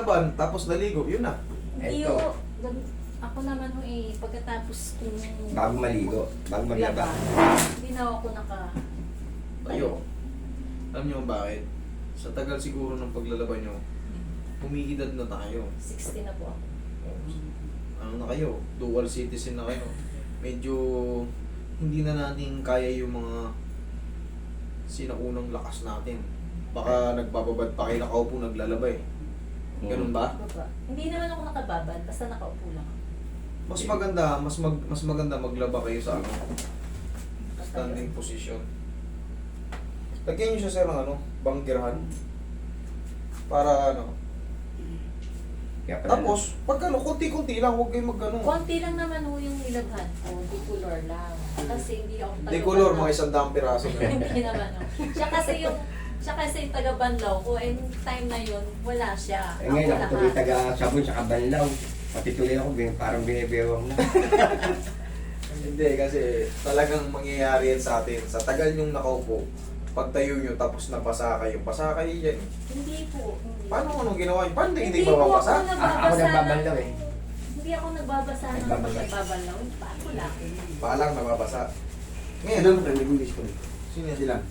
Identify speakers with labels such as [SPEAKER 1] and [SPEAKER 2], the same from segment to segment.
[SPEAKER 1] laban, tapos naligo, yun na.
[SPEAKER 2] Hindi
[SPEAKER 3] Eto.
[SPEAKER 2] ho. Ako naman ho pagkatapos kung
[SPEAKER 3] Bago maligo, bago maglaba.
[SPEAKER 2] hindi na ako
[SPEAKER 1] Tayo. Alam niyo kung bakit? Sa tagal siguro ng paglalaba nyo, umiidad na tayo.
[SPEAKER 2] 60 na po ako.
[SPEAKER 1] Ano na kayo? Dual citizen na kayo. Medyo hindi na natin kaya yung mga sinaunang lakas natin. Baka nagbababad pa kayo nakaupo naglalaba eh. Ganun ba?
[SPEAKER 2] Baba. Hindi naman ako nakababad, basta nakaupo lang ako.
[SPEAKER 1] Mas maganda, mas maganda maglaba kayo sa ano, standing position. Lagyan niyo siya sir ng ano, bangkirahan. Para ano.
[SPEAKER 3] Kaya pala,
[SPEAKER 1] Tapos, pag ano, konti-konti lang, huwag kayong mag-ano.
[SPEAKER 2] Konti lang naman ho yung nilaghan ko, decolor lang. Kasi hindi ako
[SPEAKER 1] Decolor, mga 100 piraso na.
[SPEAKER 2] Hindi naman ho. Siya kasi yung taga-Banlaw ko, and time na yun, wala siya.
[SPEAKER 3] eh, ngayon ako tuloy
[SPEAKER 2] lahat.
[SPEAKER 3] taga-sabon sa Kabanlaw. Pati tuloy ako, parang binibewang na.
[SPEAKER 1] Hindi, kasi talagang mangyayari yan sa atin. Sa tagal nyong nakaupo, pagtayo nyo tapos nabasa kayo, basa kayo yan.
[SPEAKER 2] Hindi po. Hindi.
[SPEAKER 1] Paano anong ginawa nyo? Paano hindi
[SPEAKER 2] po
[SPEAKER 1] mababasa?
[SPEAKER 2] ako
[SPEAKER 3] Ako
[SPEAKER 2] nagbabasa
[SPEAKER 3] nagbabanlaw eh.
[SPEAKER 2] Hindi ako nagbabasa ng
[SPEAKER 3] Nagbabasa.
[SPEAKER 2] pagkababalaw. Paano lang?
[SPEAKER 1] Palang nababasa. Ngayon,
[SPEAKER 4] Ilan mo tayo nag-English ko?
[SPEAKER 1] sino yan?
[SPEAKER 4] Ilan?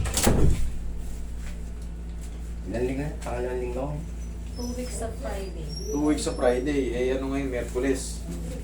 [SPEAKER 3] Ilan linggo? Pangalawang linggo.
[SPEAKER 2] 2 weeks sa Friday.
[SPEAKER 1] 2 weeks sa Friday. Eh, ano ngayon? Merkules.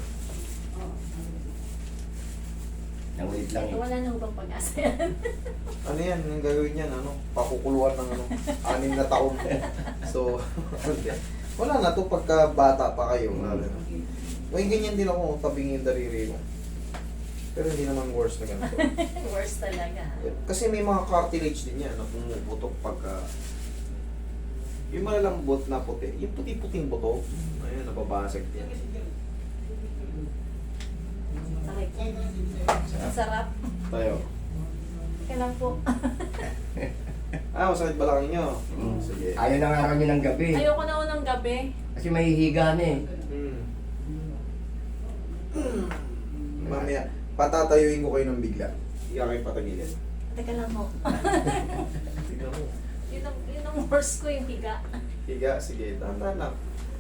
[SPEAKER 3] Nangulit lang eh.
[SPEAKER 2] Wala na ho bang pag-asa yan?
[SPEAKER 1] Ano yan? Yung gagawin yan? Ano? Pakukuluan ng ano? 6 na taon. So, wala na to pagka bata pa kayo. May ganyan din ako, tabingin yung daliri mo. Pero hindi naman worse na ganito.
[SPEAKER 2] Worse talaga.
[SPEAKER 1] Kasi may mga cartilage din yan na pumuputok pagka yung malalambot na puti, yung puti-puting buto, ayun, nababasag yan.
[SPEAKER 2] Sakit. Ang sarap.
[SPEAKER 1] Tayo.
[SPEAKER 2] Teka lang po.
[SPEAKER 1] Masakit balakang nyo. Sige.
[SPEAKER 3] Ayaw na nga kami ng gabi.
[SPEAKER 2] Ayoko na unang gabi.
[SPEAKER 3] Kasi mahihiga na eh.
[SPEAKER 1] Mamaya, patatayuin ko kayo ng bigla. Hindi ka kayo patagilin.
[SPEAKER 2] Teka lang ho.
[SPEAKER 1] Tignan mo.
[SPEAKER 2] Yun ang worst ko yung higa.
[SPEAKER 1] Higa, sige, tanda lang.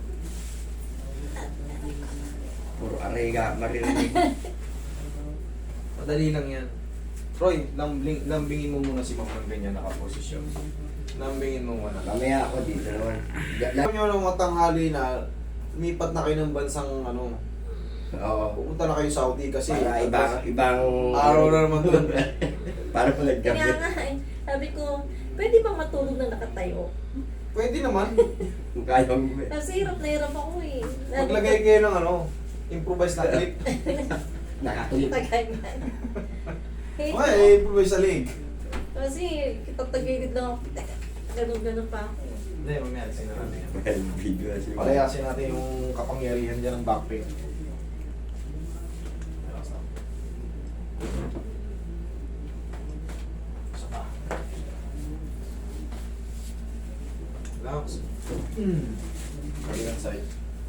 [SPEAKER 3] Puro arega, maririnig.
[SPEAKER 1] Madali lang yan. Troy, lambingin mo muna si Ma'am ng ganyan nakaposisyon. Lambingin mo muna.
[SPEAKER 3] Mamaya ako dito naman.
[SPEAKER 1] Alam nyo nung matanghali na lumipat na kayo ng bansang ano,
[SPEAKER 3] Oo.
[SPEAKER 1] pupunta na kayo Saudi kasi
[SPEAKER 3] Para ibang
[SPEAKER 1] araw na naman doon.
[SPEAKER 3] Para po
[SPEAKER 2] Kaya
[SPEAKER 3] naggabi.
[SPEAKER 2] nga sabi ko, pwede bang matulog na nakatayo?
[SPEAKER 1] Pwede naman.
[SPEAKER 3] Kaya mo.
[SPEAKER 2] Kasi hirap na hirap ako eh.
[SPEAKER 1] Maglagay kayo ng ano, improvised na clip.
[SPEAKER 3] Nakatulit.
[SPEAKER 2] Tagayan.
[SPEAKER 1] Okay, improvise sa leg.
[SPEAKER 2] Kasi kitagtagilid lang ako. Ganun-ganun pa ako.
[SPEAKER 1] Hindi, mamaya alisin na natin yan.
[SPEAKER 3] Well, video kasi.
[SPEAKER 1] Palayasin natin yung kapangyarihan dyan ng back pain. Isa pa. Relax. Kabilang side.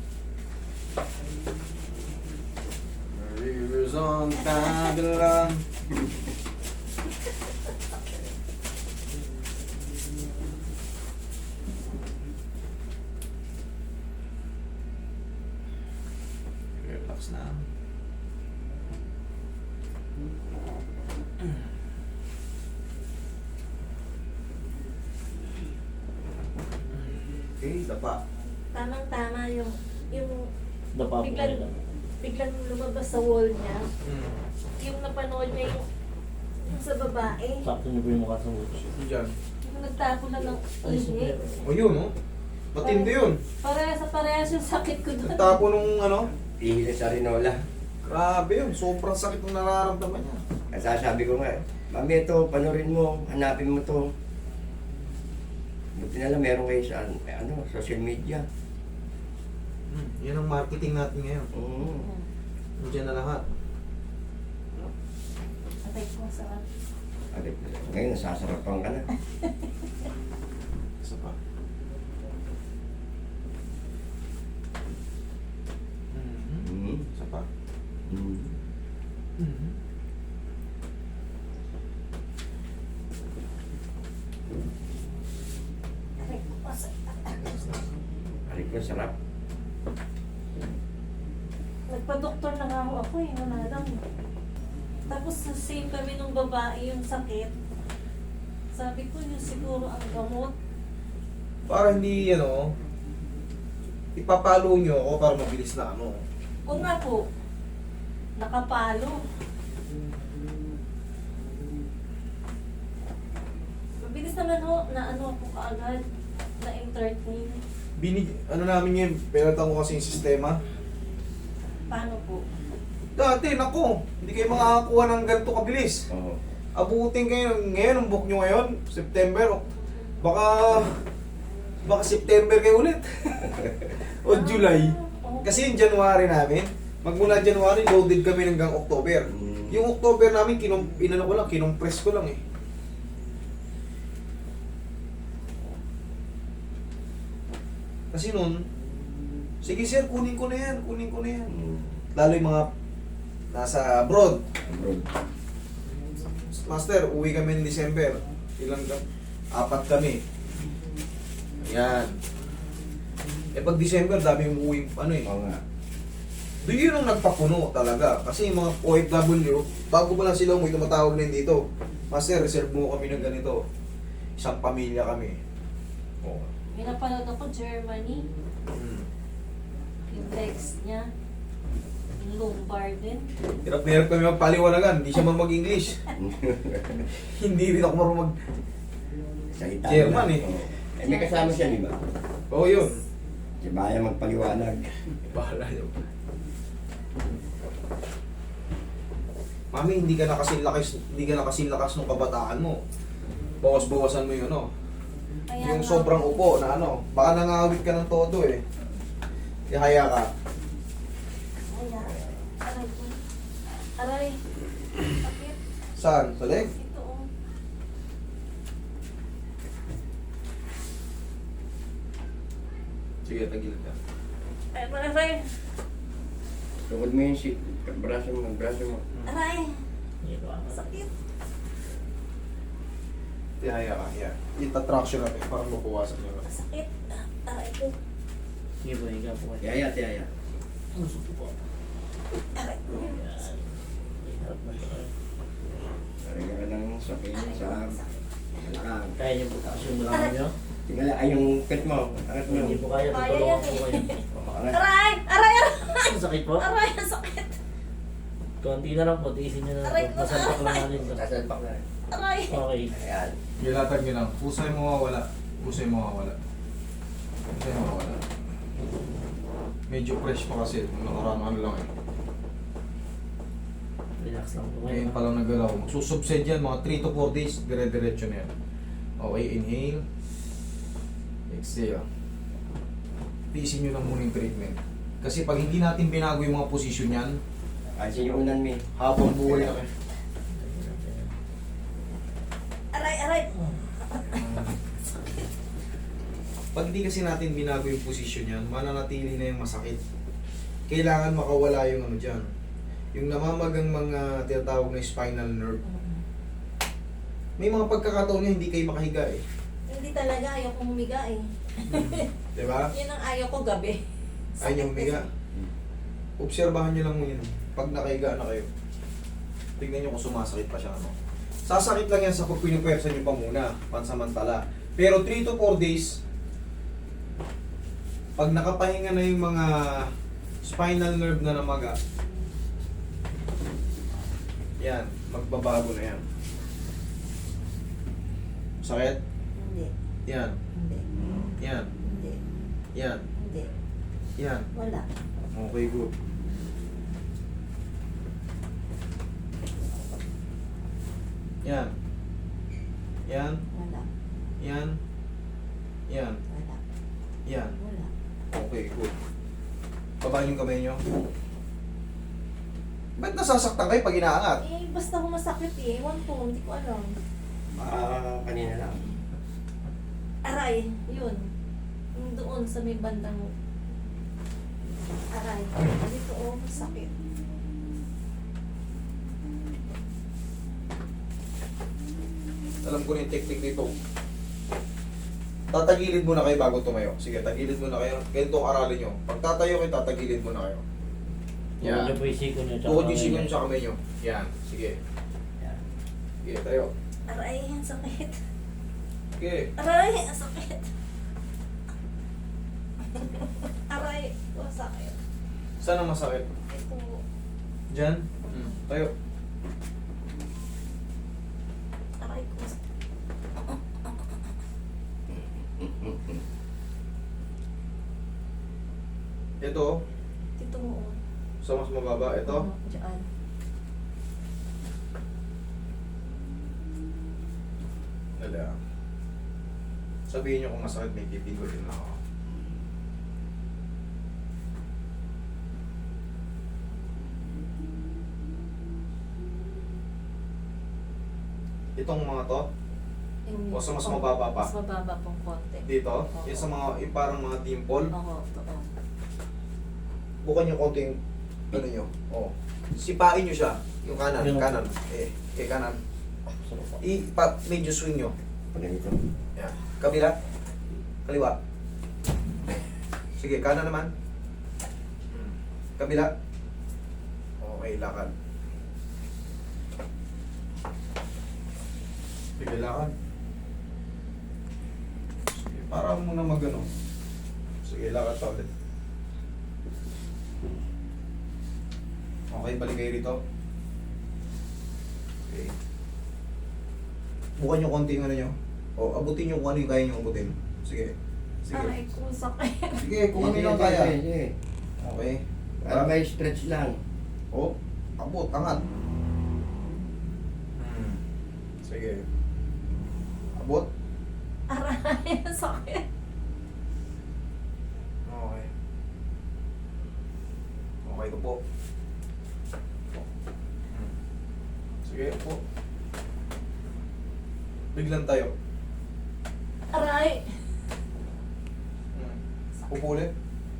[SPEAKER 1] Rivers on Babylon. Relax na. Okay, dapa.
[SPEAKER 2] Tamang-tama yung
[SPEAKER 4] Dapa po
[SPEAKER 2] biglang,
[SPEAKER 4] kayo.
[SPEAKER 2] biglang lumabas sa wall niya.
[SPEAKER 1] Hmm.
[SPEAKER 2] Yung napanood niya yung sa babae.
[SPEAKER 4] Sakto niyo po yung mukha sa watch.
[SPEAKER 1] Diyan.
[SPEAKER 2] Yung nagtapo na ng ihi.
[SPEAKER 1] O yun, oh. Matindi yun.
[SPEAKER 2] Parehas yung sakit ko doon.
[SPEAKER 1] Nagtapo nung ano.
[SPEAKER 3] Ihili sa Rinola.
[SPEAKER 1] Grabe yun. Sobrang sakit ng nararamdaman niya.
[SPEAKER 3] Kasi sabi ko nga, Mami, ito, panorin mo, hanapin mo to. Buti na lang, meron kayo sa social media.
[SPEAKER 1] Yan ang marketing natin ngayon.
[SPEAKER 3] Oo.
[SPEAKER 1] Diyan na lahat.
[SPEAKER 2] Atay ko sa
[SPEAKER 3] Ngayon, nasasarapan ka na.
[SPEAKER 1] Isa pa. Isa pa.
[SPEAKER 2] atay ko sa
[SPEAKER 3] Aray Masarap.
[SPEAKER 2] Nagpa-doktor na nga ako eh, wala lang. Tapos same kami nung babae yung sakit. Sabi ko yun siguro ang gamot.
[SPEAKER 1] Para hindi, ano, ipapalo nyo ako para mabilis na ano.
[SPEAKER 2] O nga po, nakapalo. Mabilis naman ho, na ano ako kaagad, na-entertain.
[SPEAKER 1] Ano namin yun, pinatang ko kasi yung sistema.
[SPEAKER 2] Paano po?
[SPEAKER 1] Dati, nako, hindi kayo makakakuha ng ganito kabilis.
[SPEAKER 3] Oo.
[SPEAKER 1] Abutin kayo ngayon, ang book nyo ngayon, September. Baka September kayo ulit. O July.
[SPEAKER 2] Oh,
[SPEAKER 1] Kasi yung January namin, magmula January, loaded kami hanggang October.
[SPEAKER 3] Mm.
[SPEAKER 1] Yung October namin, kinumpress ko lang eh. Kasi nun, sige sir, kunin ko na yan.
[SPEAKER 3] Mm.
[SPEAKER 1] Lalo yung mga nasa abroad.
[SPEAKER 3] Abroad.
[SPEAKER 1] Master, uwi kami ng December. Ilang ka? 4 kami. Ayan. Eh pag December, dami yung uwi, ano eh.
[SPEAKER 3] Oo nga.
[SPEAKER 1] Doon yun ang nagpapuno talaga. Kasi yung mga OFW, bago pa lang sila umuwi, tumatawag na yun dito. Master, reserve mo kami ng ganito. Isang pamilya kami. Oo.
[SPEAKER 2] may napanood ako, Germany.
[SPEAKER 1] Hmm.
[SPEAKER 2] Yung text niya. Yung lumbar din.
[SPEAKER 1] Hirap na hirap kami magpaliwanagan. Hindi siya man mag-English. Hindi rin ako marunong mag...
[SPEAKER 3] Sa Italia.
[SPEAKER 1] German eh.
[SPEAKER 3] Oo. Eh, may kasama siya, di ba?
[SPEAKER 1] Oo, yun.
[SPEAKER 3] Si Baya magpaliwanag.
[SPEAKER 1] Bahala niyo. Mami, hindi ka na kasing lakas ng kabataan mo. Bawas-bawasan mo yun, ano.
[SPEAKER 2] Kaya
[SPEAKER 1] Yung
[SPEAKER 2] nga
[SPEAKER 1] sobrang
[SPEAKER 2] po.
[SPEAKER 1] upo na ano, baka nangawit ka ng todo eh. Ihaya ka.
[SPEAKER 2] Kaya, aray ko. Aray. Sakit.
[SPEAKER 1] Saan? Sa leg?
[SPEAKER 2] Ito oh.
[SPEAKER 1] Sige, tagilid ka.
[SPEAKER 2] Aray.
[SPEAKER 3] Tukod mo yung braso mo.
[SPEAKER 2] Aray.
[SPEAKER 4] Hindi ko ako.
[SPEAKER 2] Sakit.
[SPEAKER 1] Ihaya ka, yeah. Ita-traction natin para mabawasan nyo.
[SPEAKER 2] Sakit. Aray ko.
[SPEAKER 4] Sige po, higa po kayo.
[SPEAKER 3] Yaya.
[SPEAKER 2] Aray ko.
[SPEAKER 4] Yan. Hirap na ito.
[SPEAKER 3] Talaga ka ng sakit sa malakang.
[SPEAKER 4] Kaya niyo po taas yung mulaman niyo?
[SPEAKER 3] Tingala ay yung pet mo. Angat mo.
[SPEAKER 4] Hindi po kaya,
[SPEAKER 2] Kaya
[SPEAKER 4] tutulungan
[SPEAKER 2] yan
[SPEAKER 4] po kayo.
[SPEAKER 3] Angat.
[SPEAKER 2] Aray! Aray! Aray!
[SPEAKER 4] Ang sakit po?
[SPEAKER 2] Aray! Ang sakit!
[SPEAKER 4] Konti na lang po, tiisin niyo na
[SPEAKER 2] Aray
[SPEAKER 4] lang
[SPEAKER 2] ko.
[SPEAKER 4] po. Masalpak lang natin to.
[SPEAKER 3] Sasalpak na.
[SPEAKER 2] Aray!
[SPEAKER 4] Okay.
[SPEAKER 3] Ayan.
[SPEAKER 1] Gilatag nyo lang. Pusay mawawala. Medyo fresh pa kasi. Nakaraan ano lang eh.
[SPEAKER 4] Relax lang po kayo.
[SPEAKER 1] Ngayon pa lang nagalaw. Magsusubside yan, mga 3 to 4 days, dire-diretso na yan. Okay, inhale. Exhale. Tiisin nyo lang muna yung treatment. Kasi pag hindi natin binago yung mga posisyon yan,
[SPEAKER 3] Kasi yung unan mo.
[SPEAKER 1] habang buhay na kayo.
[SPEAKER 2] Aray! Aray!
[SPEAKER 1] Pag hindi kasi natin binago yung posisyon yan, mananatili na yung masakit. Kailangan makawala yung ano dyan. Yung namamagang mga tinatawag na spinal nerve. May mga pagkakataon na hindi kayo makahiga eh.
[SPEAKER 2] Hindi talaga. Ayaw kong humiga eh.
[SPEAKER 1] Diba?
[SPEAKER 2] Yun ang ayaw ko gabi.
[SPEAKER 1] Ayaw nyo humiga. Obserbahan nyo lang mo yun. Pag nakahiga na kayo. Tignan nyo kung sumasakit pa siya. Ano. Sasakit lang yan sa pag pinupwersa nyo pa muna. Pansamantala. Pero 3 to 4 days, pag nakapahinga na yung mga spinal nerve na namaga, yan, magbabago na yan. Sakit?
[SPEAKER 2] Hindi.
[SPEAKER 1] Yan.
[SPEAKER 2] Hindi.
[SPEAKER 1] Yan.
[SPEAKER 2] Hindi.
[SPEAKER 1] Yan.
[SPEAKER 2] Hindi.
[SPEAKER 1] Yan.
[SPEAKER 2] Wala.
[SPEAKER 1] Okay, good. Yan. Yan.
[SPEAKER 2] Wala.
[SPEAKER 1] Yan. Yan.
[SPEAKER 2] Wala.
[SPEAKER 1] Yan.
[SPEAKER 2] Wala.
[SPEAKER 1] Okay, good. Babaan yung kamay nyo. Ba't nasasaktan kayo pag inaangat?
[SPEAKER 2] Eh, basta ko masakit eh. Ewan ko. Hindi ko alam.
[SPEAKER 3] Kanina lang.
[SPEAKER 2] Aray. Yun. Yung doon sa may bandang aray. Dito oh. Sakit.
[SPEAKER 1] Alam ko na yung technique nito. Tatagilid muna kayo bago tumayo. Sige, tagilid muna kayo. Ganito ang aralin nyo. Pag tatayo kayo, tatagilid muna kayo.
[SPEAKER 4] Tukod niyo po yung siko niyo.
[SPEAKER 1] Tukod yung siko nyo sa kamay nyo. Yan, sige.
[SPEAKER 3] Yan.
[SPEAKER 1] Sige, tayo.
[SPEAKER 2] Aray, ang sakit.
[SPEAKER 1] Sige.
[SPEAKER 2] Aray, ang sakit. Aray, ang sakit.
[SPEAKER 1] Saan ang masakit?
[SPEAKER 2] Ito.
[SPEAKER 1] Diyan? Tayo.
[SPEAKER 2] Aray ko.
[SPEAKER 1] Ito,
[SPEAKER 2] Dito mo.
[SPEAKER 1] sa mas mababa. Ito.
[SPEAKER 2] Diyan.
[SPEAKER 1] Dali ah. Sabihin nyo kung masakit, may pipigulin na ako. Itong mga to, O sa mas mababa pa?
[SPEAKER 2] Mas mababa pong konti.
[SPEAKER 1] dito, yung sa mga, yung parang mga dimple,
[SPEAKER 2] Oo, totoo.
[SPEAKER 1] bukan yung konti yung, ano nyo, sipain nyo siya, yung kanan,
[SPEAKER 4] Yung-
[SPEAKER 1] kanan, kanan,
[SPEAKER 4] Sarap po.
[SPEAKER 1] medyo swing nyo,
[SPEAKER 3] Pagay ito.
[SPEAKER 1] yan, kabila, kaliwa, sige, kanan naman, kabila, okay, lakad, sige, lakad, sige, para muna magano, sige, lakad pa ulit. Okay, balik kayo rito. Okay. Bukan yung konti yung ano nyo. O, abutin nyo kung ano yung kaya nyo abutin. Sige. Sige.
[SPEAKER 2] Aray ko, sakit.
[SPEAKER 1] Sige, kung ano yung kaya.
[SPEAKER 3] Sige.
[SPEAKER 1] Okay.
[SPEAKER 3] Para may stretch lang.
[SPEAKER 1] O, abot, angat. Sige. Abot.
[SPEAKER 2] Aray, ang sakit.
[SPEAKER 1] Okay. Okay ko po. Sige po. Biglan tayo.
[SPEAKER 2] Aray.
[SPEAKER 1] Pupulit.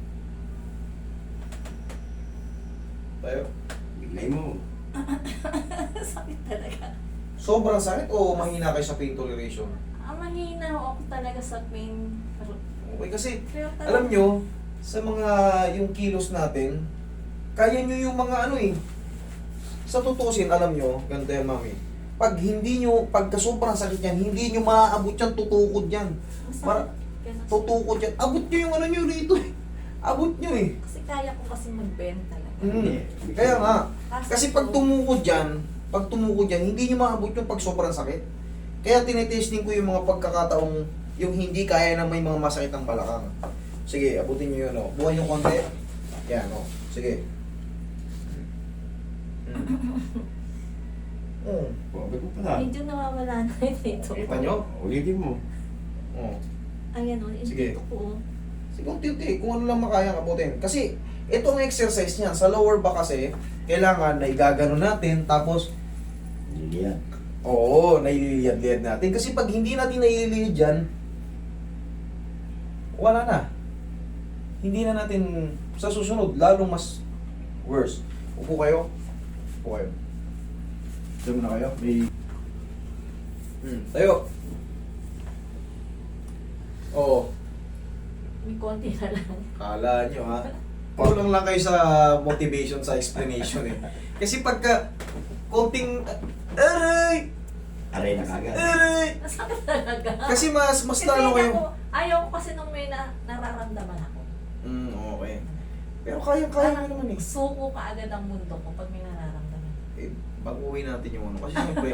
[SPEAKER 1] Tayo.
[SPEAKER 3] Biglay mo.
[SPEAKER 2] Sakit talaga.
[SPEAKER 1] Sobrang sakit o mahina kayo sa pain toleration?
[SPEAKER 2] Mahina ako talaga sa pain.
[SPEAKER 1] Okay, kasi
[SPEAKER 2] Pero talaga,
[SPEAKER 1] alam nyo, sa mga yung kilos natin, kaya nyo yung mga ano eh. Sa tutusin, alam nyo, ganito yan mami. Pag hindi nyo, pagka sobrang sakit yan, hindi nyo maaabot yan, tutukod yan. Para, tutukod yan. Abot nyo yung ano nyo rito eh. Abot nyo eh.
[SPEAKER 2] Kasi kaya ko kasi mag-bend talaga.
[SPEAKER 1] Kaya nga, kasi pag tumukod yan, hindi nyo maabot yung pag sobrang sakit. Kaya tinetesting ko yung mga pagkakataong yung hindi kaya na may mga masakit ng balakang. Sige, abutin nyo yun, o. Bukan yung konti. Yan, o. Sige.
[SPEAKER 3] Wabag mo pala.
[SPEAKER 2] Medyo nawawala na yun dito.
[SPEAKER 1] Kita nyo?
[SPEAKER 3] Ulitin mo.
[SPEAKER 1] O.
[SPEAKER 2] Ayan o, yung
[SPEAKER 1] Sige.
[SPEAKER 2] dito ko.
[SPEAKER 1] Sige, unti-unti. Kung ano lang makaya abutin. Kasi, itong exercise niya, sa lower back kasi, kailangan na igagano natin, tapos,
[SPEAKER 3] Liliyan.
[SPEAKER 1] oo, naililiyad-liyad natin. Kasi pag hindi natin naililiyad yan, wala na. Hindi na natin, sa susunod, lalong mas worse. Upo kayo. Upo kayo. Diyan muna kayo. May... Tayo. Oo.
[SPEAKER 2] May konti na lang.
[SPEAKER 1] Kala nyo ha. Kulang lang kayo sa motivation, sa explanation eh. Kasi pagka konting aray!
[SPEAKER 3] Aray na kagad.
[SPEAKER 1] Aray!
[SPEAKER 2] Masakit talaga.
[SPEAKER 1] Kasi mas
[SPEAKER 2] Kasi
[SPEAKER 1] lalo kayo.
[SPEAKER 2] ayaw ko kasi nung may nararamdaman ako.
[SPEAKER 1] Okay. Pero kaya mo naman eh.
[SPEAKER 2] Suko ka agad ang mundo ko pag may nararamdaman.
[SPEAKER 1] Eh, baguhin natin yung ano. Kasi siyempre,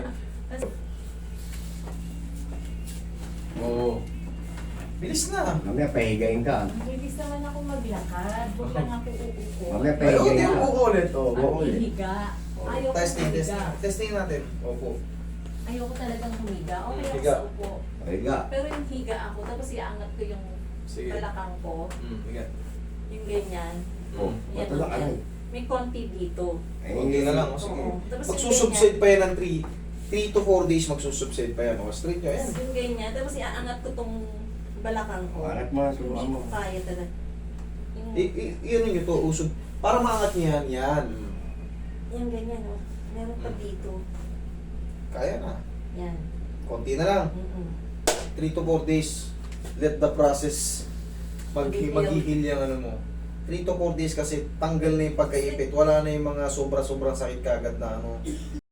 [SPEAKER 1] oo. Bilis na.
[SPEAKER 3] Mamaya pahigayin ka.
[SPEAKER 2] Bilis naman ako maglakad. Huwag lang ako uupo.
[SPEAKER 3] Mamaya
[SPEAKER 1] Ay,
[SPEAKER 3] pahigayin
[SPEAKER 1] hindi
[SPEAKER 3] ka.
[SPEAKER 1] mo ko ulit. Oo,
[SPEAKER 2] At
[SPEAKER 1] buko ulit.
[SPEAKER 2] hihiga. Ayaw ko
[SPEAKER 1] Testing.
[SPEAKER 2] humiga.
[SPEAKER 1] Testing natin. Opo.
[SPEAKER 2] Ayaw ko talagang humiga. Okay ako
[SPEAKER 1] Higa.
[SPEAKER 2] sa upo.
[SPEAKER 3] Pahiga.
[SPEAKER 2] Pero yung higa ako, tapos iaangat ko yung
[SPEAKER 1] Sige.
[SPEAKER 2] balakang ko.
[SPEAKER 1] Sige.
[SPEAKER 2] Yung ganyan.
[SPEAKER 3] Oh,
[SPEAKER 2] Yan,
[SPEAKER 3] ito lang
[SPEAKER 2] yan.
[SPEAKER 3] aray.
[SPEAKER 2] May konti dito.
[SPEAKER 1] Konti na lang. Sige.
[SPEAKER 2] Oo. Tapos yung
[SPEAKER 1] Magsusubside pa yan ng 3 to 4 days magsusubside pa yan. O, straight nyo. Ayan.
[SPEAKER 2] Tapos yung ganyan. Tapos iaangat ko tong balakang ko.
[SPEAKER 3] Anak mo,
[SPEAKER 2] Hindi
[SPEAKER 3] subukan mo.
[SPEAKER 2] ko kaya talaga. Yung,
[SPEAKER 1] Yun nyo to, usog. Para maangat nyo yan. Yan.
[SPEAKER 2] yung ganyan, oh. Meron pa dito.
[SPEAKER 1] Kaya na.
[SPEAKER 2] Yan.
[SPEAKER 1] Konti na lang. 3 to 4 days. let the process
[SPEAKER 2] Mag-heal.
[SPEAKER 1] mag-heal yung ano mo. 3 to 4 days kasi tanggal na yung pagkaipit. Wala na yung mga sobra-sobrang sakit kagad na ano.